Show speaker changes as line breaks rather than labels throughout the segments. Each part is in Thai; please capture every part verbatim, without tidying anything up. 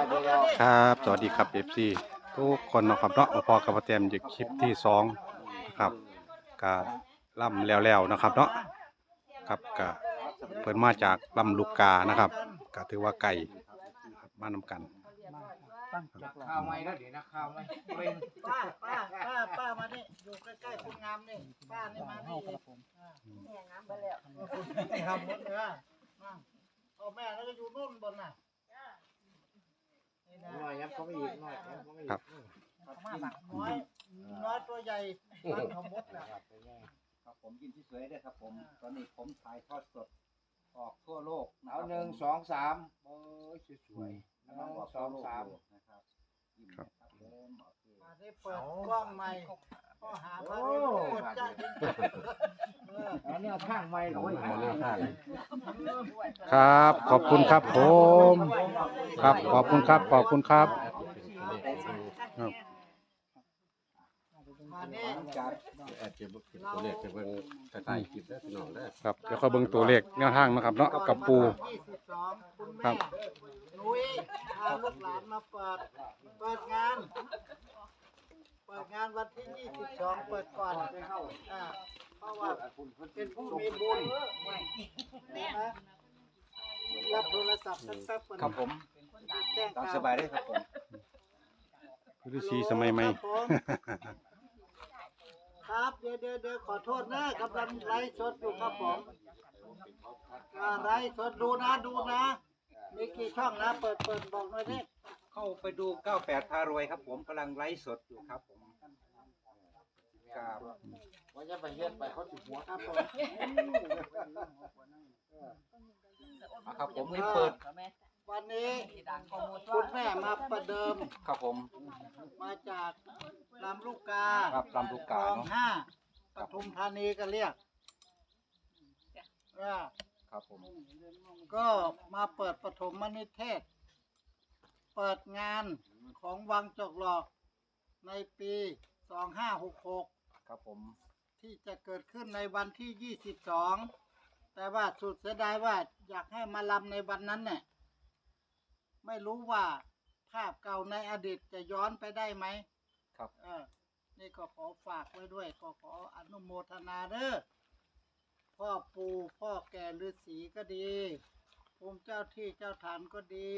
ครับสวัสดีครับ เอฟ ซี ทุกคนนะครับเนาะพอกับพ่อแต้มอยู่คลิปที่สองนะครับกะล่ำแล้วๆนะครับเนาะครับกะเพิ่นมาจากลำลูกกานะครับกะถือว่าไก่มานำกัน
ข้าวไหมแล้วเดี๋ยวนะข้าวไหมป้าป้าป้าป้ามานี่อยู่ใกล้ๆคุณงามนี่ป้านี่มานี่เนี่ยงามไปแล้วทำหมดเลยพ่อแม่แล้วก็อยู่นู่นบนน่ะหน่อยยับเขาไม่หยิบหน่อยเขาไม่หยิบน้อยน้อยตัวใหญ่มันทำหมดแล้วครับผมกินที่สวยด้วยครับผมตอนนี้ผมถ่ายทอดสดออกทั่วโลกเอาหนึ่งสองสามโอ้ยสวยๆหนึ่งสองสามนะครับครับมาได้เปิดกล้องใหม่ก็หาพระรูปกดจ้าจริงๆอันนี้เอาข้างใหม่หน่อย
ครับขอบคุณครับผมครับขอบคุณครับขอบคุณครับครับ
มาเนี่ย
แอดเก็บตัวเลขจะเบิ่งกระต่ายคลิปได้พี่น้องได้
ครับเดี๋ยวค่อยเบิ่งตัวเลขแนวทางนะครับเนาะกับปู
ยี่สิบสองคุณแม่นุ้ยพาลูกหลานมาเปิดเปิดงานเปิดงานวันที่ยี่สิบสองเปิดก่อนอ่าเพราะว่าเป็นผู้มีบุญนะรับโทรศัพท์แป๊บๆ
ครับผม
แจ้ง
ตาม
ข่าว
สบายได้ครับผม
ฤาษีสมัยใหม่
ครับเดี๋ยวเดี๋ยวเดี๋ยวขอโทษนะกำลังไลฟ์สดอยู่ครับผมอ่าไลฟ์สดดูนะดูนะมีกี่ช่องนะเปิดเปิดบอกหน่อยดิ
เข้าไปดูเก้าแปดพารวยครับผมกำลังไลฟ์สดอยู่ครับผมครับ
ว่าจะไปเฮ็ดไปเขาติดหัวครับผม
เอาครับผมให้เปิด
วันนี้คุณแม่มาประเดิม
ครับผม
มาจากลำลูกกา
ครับลำลูกกา
คลอง
เนาะ
ห้าปทุมธานีก็เรียกอ่า
ครับผม
ก็มาเปิดปฐมนิเทศ เปิดงานของวังจอกหลอกในปีสองห้าหกหก
ครับผม
ที่จะเกิดขึ้นในวันที่ยี่สิบสองแต่ว่าสุดเสียดายว่าอยากให้มาลำในวันนั้นเนี่ยไม่รู้ว่าภาพเก่าในอดีตจะย้อนไปได้ไหม
ครับ
เออนี่ก็ขอฝากไว้ด้วยก็ขออนุโมทนาเด้อพ่อปู่พ่อแก่ฤาษีก็ดีภูมิเจ้าที่เจ้าฐานก็ดี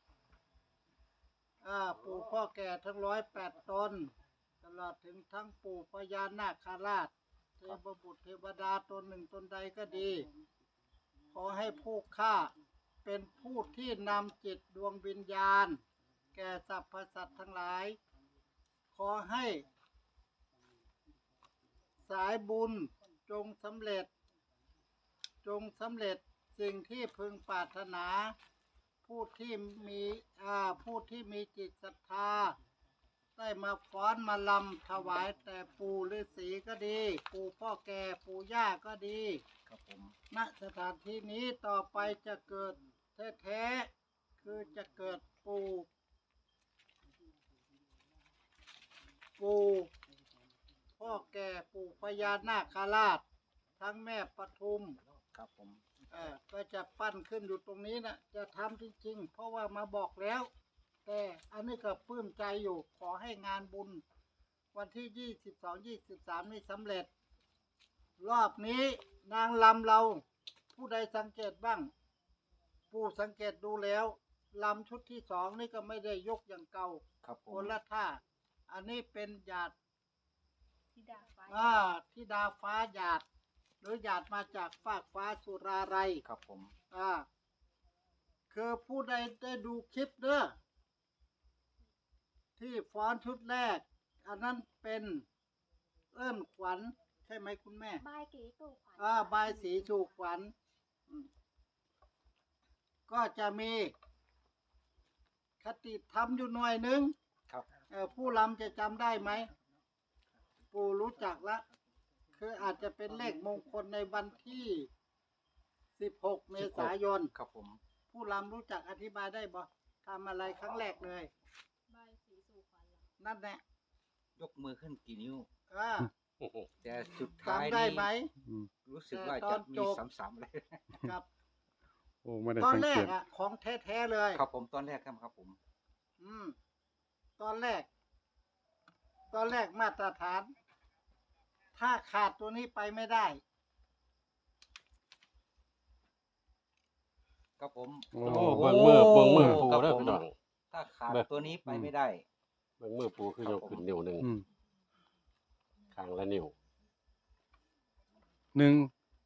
อ่าปู่พ่อแก่ทั้งร้อยแปดตนตลอดถึงทั้งปู่พญานาคราชเทพบุตรเทวดาตนหนึ่งตนใดก็ดี ขอให้ผู้ฆ่าเป็นผู้ที่นำจิตดวงวิญญาณ แก่สรรพสัตว์ทั้งหลาย ขอให้ สายบุญจงสำเร็จ จงสำเร็จสิ่งที่พึงปรารถนา ผู้ที่มีอ่าผู้ที่มีจิตศรัทธา ได้มาฟ้อนมาลำถวายแต่ปู่ฤาษีก็ดี ปู่พ่อแก่ปู่ย่าก็ดี
ครับผม
ณสถานที่นี้ต่อไปจะเกิดแท้ๆคือจะเกิดปู่ปู่พ่อแก่ปู่พญานาคราช ทั้งแม่ปทุม
ครับผม
เออก็จะปั้นขึ้นอยู่ตรงนี้นะจะทำจริงๆ เพราะว่ามาบอกแล้ว แต่อันนี้ก็ปลื้มใจอยู่ ขอให้งานบุญ วันที่ยี่สิบสองยี่สิบสามนี้สำเร็จ รอบนี้นางลำเรา ผู้ใดสังเกตบ้าง ผู้สังเกตดูแล้วลำชุดที่สองนี่ก็ไม่ได้ยกอย่างเก่า
ครับผ
ค
ม
นละท่า อันนี้เป็นหยาด
ธิดาฟ้า
อ่าที่ดาฟ้าหยาด หรือหยาดมาจากฟากฟ้าสุราไร
ครับผม
อ่าคือผู้ใดได้ดูคลิปเด้อที่ฟ้อนชุดแรก อันนั้นเป็นเอิ้นขวัญใช่ไหมคุณแม่
บายกีตู่ขวัญ
อ่าบายสีสู่ขวัญอืมก็จะมีคติธรรมอยู่หน่อยหนึง
ครับ
เอ่อผู้ลำจะจำได้ไหม ปู่รู้จักละ คืออาจจะเป็นเลขมงคลในวันที่สิบหกเมษายน
ครับผม
ผู้ลำรู้จักอธิบายได้บ่ทำอะไรครั้งแรกเลย
บายสีสู่ขวัญเหรอ
นั่นแหละ
ยกมือขึ้นกี่นิ้ว
อ่า
แต่สุดท้าย
จำได้
นี้
ไหม
อืม
รู้สึกว่า
แต่ตอ
จะ
น
มี
จบ
ซ้ำๆเลย
กับ
โอ้ไม่ได้
ตอน
สัง
แร
เก
ก
ต
อะของแท้ๆเลย
ครับผมตอนแรกครับครับผม
อืม ตอนแรก ตอนแรกมาตรฐาน ถ้าขาดตัวนี้ไปไม่ได้
ครับผม
โอ้
โอ้เบิ่งมือเบิ่งมือปู
ครับ
เด้อ
ผม
พี่น้อง
ถ้าขาด
เบิ่ง
ตัวนี้ไปไม่ได้
เบิ่งมือปูคือยกขึ้นนิ้วหนึง
อืม
ข้างละนิ้ว
หนึ่ง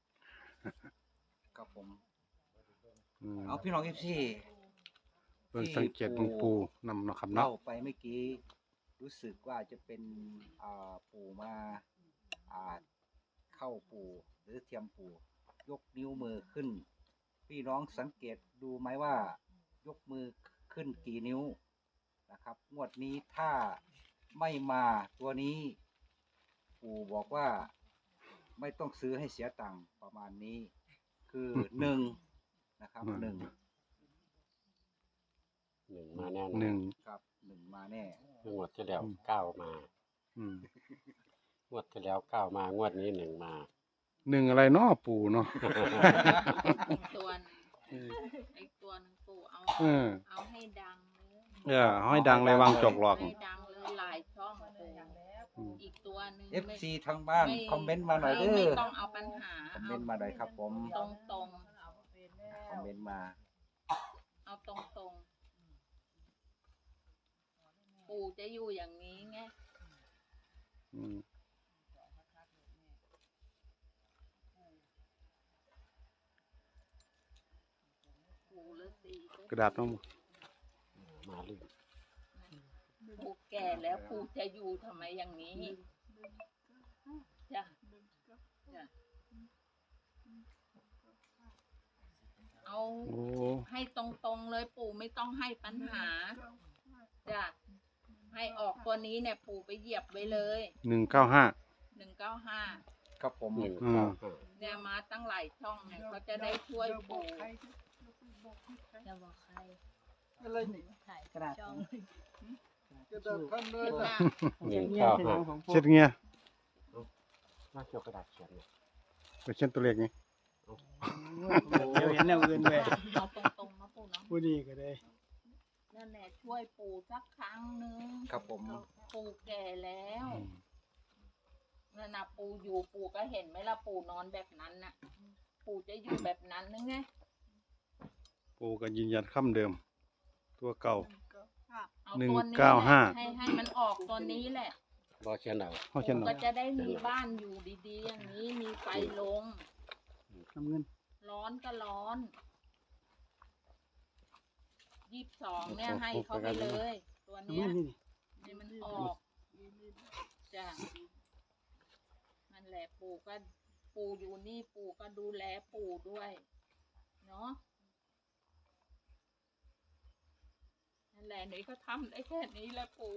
ครับผม
อืม
เอาพี่น้องเอฟซี
เบิ่งสังเกตเบิ่งปูนำเนาะครับ
เล่า
เนาะ
ไปเมื่อกี้รู้สึกว่าจะเป็นอ่าปู่มาอ่าเข้าปู่หรือเทียมปู่ยกนิ้วมือขึ้น พี่น้องสังเกตดูไหมว่ายกมือขึ้นกี่นิ้วนะครับงวดนี้ถ้าไม่มาตัวนี้ ปู่บอกว่าไม่ต้องซื้อให้เสียตังค์ประมาณนี้ คือหนึ่งนะครับหนึ่ง
หนึ่งมาแน่นอน
หนึ่ง
ครับหนึ่งมาแน่
งวดที่แล้วเก้ามา
อืม
งวดที่แล้วเก้ามางวดนี้หนึ่งมา
หนึ่งอะไรเนาะปูเนาะ
อีกตัวหนึงอีกตัวหนึงปู่เอา
เออ
เอาให้ดังเลย
เออเอาให้ดังเลยวางจอกหลอก
ให้ดังเลยหลายช่องปู่
อืม
อีกตัวหนึง
เอฟซีทางบ้านคอมเมนต์มาหน่อยเด้
ไม่
อ
ต้องเอาปัญหา
คอมเมนต์มาหน่อยครับผม
ตรงตรง
คอมเมนต์มา
ๆเอาตรงตรงๆปู่จะอยู่อย่างนี้ไง
อืม
ปู่ฤาษีก็
กระดาษน้อง
มาลื่น
ปู่แก่แล้วปู่จะอยู่ทำไมอย่างนี้จ้ะจ้ะเอา
โอ้
ให้ตรงๆเลยปู่ไม่ต้องให้ปัญหาจ้ะให้ออกตัวนี้เนี่ยปู่ไปเหยียบไว้เลย
หนึ่งเก้าห้า
หนึ่งเก้าห้า
ครับผม
หนึ่ง
อืม
เก้าห้า
เนี่ยมาตั้งหลายช่องเนี่ยเขาจะได้ช่วยปู่จะบอกใคร
อะไรนี่
ถ่าย
กระดาษ
ช่อง
กระดาษท่านเลยนะ
หนึ่งเก้าห้า
เช็ดเงี้ย
มาเกี่ยวกระดาษเขียนเนี่ย
ไปเช็ดตัวเลขไง
เดี๋ยวเห็นแนวอื่นด้วย
เอาตรงๆนะปู่เนาะ
ผู้ดีก็ได้
นั่นแหละช่วยปู่สักครั้งหนึง
ครับผม
ปู่แก่แล้วนั่นนะปู่อยู่ปู่ก็เห็นไหมล่ะปู่นอนแบบนั้นน่ะ ปู่จะอยู่แบบนั้นนึงไง
ปูก็ยืนยันคำเดิม ตัวเก่า
เอา
หนึ่ง
ตัวนี้
เก้าห้า
แหละให้ให้มันออกตัวนี้แหละ
รอเขียนเอา
เขาเช่น
ปู่
หน่
ก็
อย
จะได้มีบ้านอยู่ดีๆ อย่างนี้มีไฟลง
น้ำเงิน
ร้อนก็ร้อนยี่สิบสองเนี่ยให้เขาไปเลย ตัว
น้ำ
เนี้
เงิ
ย
นนี่นี่
ให้มันออกจ้ะนั่นแหละปู่ก็ปู่อยู่นี่ปู่ก็ดูแลปู่ด้วยเนาะนั่นแหละหนูก็ทำได้แค่นี้แหละปู่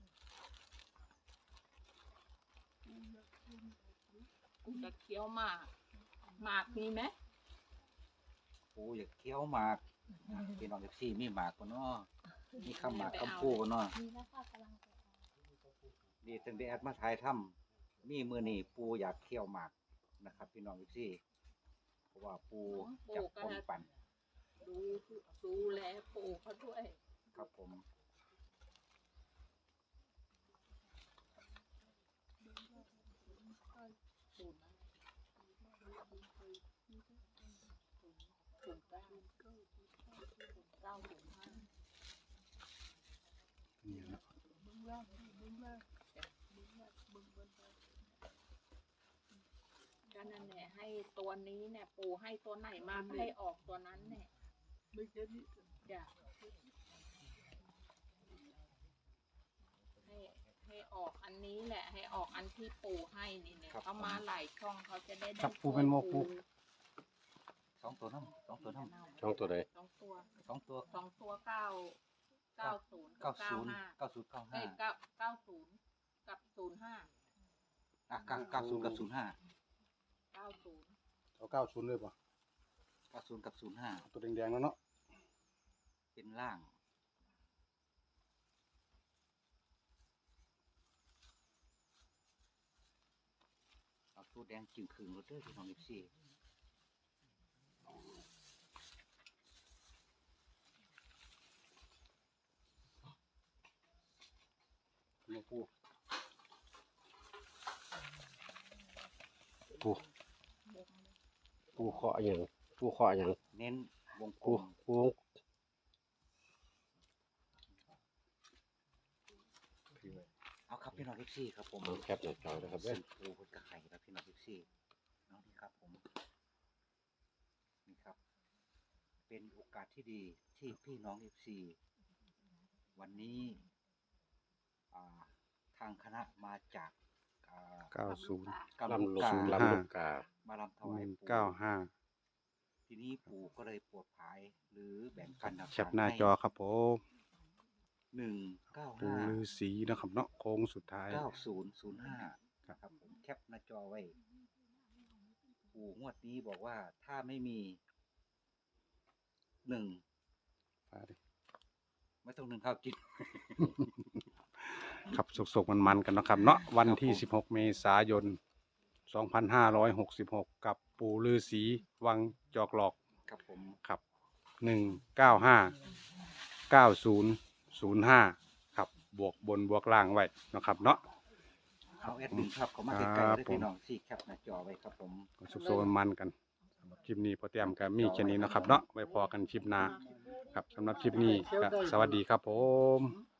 กูจะเคี้ยวหมากหมากมีไหม
ปูอยากเคี้ยวหมากพี่น้องเอฟซีมีหมากกันเนาะมีคำหมากคำพูกันเนาะ
มีแล้วค่ะกำลังจะเอา
ดีตั้งแต่แอดมาถ่ายถ้ำมีมือนี่ปูอยากเคี้ยวหมากนะครับ พี่น้องเอฟซีเพราะว่าปูจับคนปั่น
ดูดูแลปู่เขาด้วย
ครับผม
ศูนย์อะไรศูนย์เก้าศูนย์เก้าศูนย์ห้า
นี่นะ
ก็นั่นแหละให้ตัวนี้เนี่ย ปู่ให้ตัวไหนมาให้ออกตัวนั้นเนี่ยจ้ะให้ให้ออกอันนี้แหละ ให้ออกอันที่ปู่ให้นี่เนี่ยเขามาหลายช่องเขาจะได้ได้
จับปูเป็นโมปู
สองตัวน้ำสองตัวน้ำ
ช่องตัวใด
สองตัว
สองตัว
สองตัวเก้าเก้าศูนย์กั
เก้า
บเก้า
ศูนย์
ห้า
เก้าศูนย์เก้า
เอ้
ห้าย
เก้าเก้าศูนย์กับศูนย์ห้า
อ่ะเก้าเก้าศูนย์กับศูนย์ห้า
เก้าศูนย์
เอาเก้าศูนย์เลยป่ะ
เก้าศูนย์กับศูนย์ห้า
ตัวแดงๆแล้วเนาะ
เป็นล่างเอาตัวแดงจึงคืนรถเด้อพี่น้องเอฟซี
มาปู
ปู
ปูเคาะอย่างปูเคาะอย่าง
เน้นวงกล
ปู
ม
ปู
เอาครับพี่น้องทิพซี่ครับผม
เอาแคปหน้าจอนะครับเว้
สี่
ย
ปูพุทธไข่ครับพี่น้องทิพซี่น้องนี่ครับผมนี่ครับ เป็นโอกาสที่ดีที่พี่น้องทิพซี่วันนี้อ่าทางคณะมาจากอ่า
เก้าศูนย์
กำลัง
ลำลูก
กา
ลำลูกกา
มาลำถ
ห
วาย
นึ่ง
ปู่
เก้าห้า
ทีนี้ปู่ก็เลยปวดภายหรือแบ่งปัน
แคปหน้าจอครับผม
หนึ่งเก้า
ปู
ห้า
ฤาษีนะครับเนาะโค้งสุดท้าย
เก้าศูนย์ศูนย์ห้า
ครับ
ครับผมแคปหน้าจอไว้ ปู่งวดนี้บอกว่าถ้าไม่มีหนึ่ง
ฟ้าดิ
ไม่ต้องหนึ่งข้าวกิน
ครับสุกๆมันๆกันเนาะครับเนาะวันที่
ครับผม
สิบหกเมษายนสองพันห้าร้อยหกสิบหกกับปูฤาษีวังจอกหลอก
ครับผม
ครับหนึ่งเก้าห้าเก้าศูนย์ศูนย์ห้าครับบวกบนบวกล่างไว้เนาะครับเนาะ
เอาแอดมินครับเขามา
ครั
ใกล้
บ
ๆด้วยพี่น้องสี่แคปหน้าจอไว้ครับผม
สุกๆมันๆกันสำหรับคลิปนี้พอเตรียมก็มีแค่นี้เนาะครับเนาะไว้พอกันคลิปหน้าครับสำหรับคลิปนี้ก็สวัสดีครับผม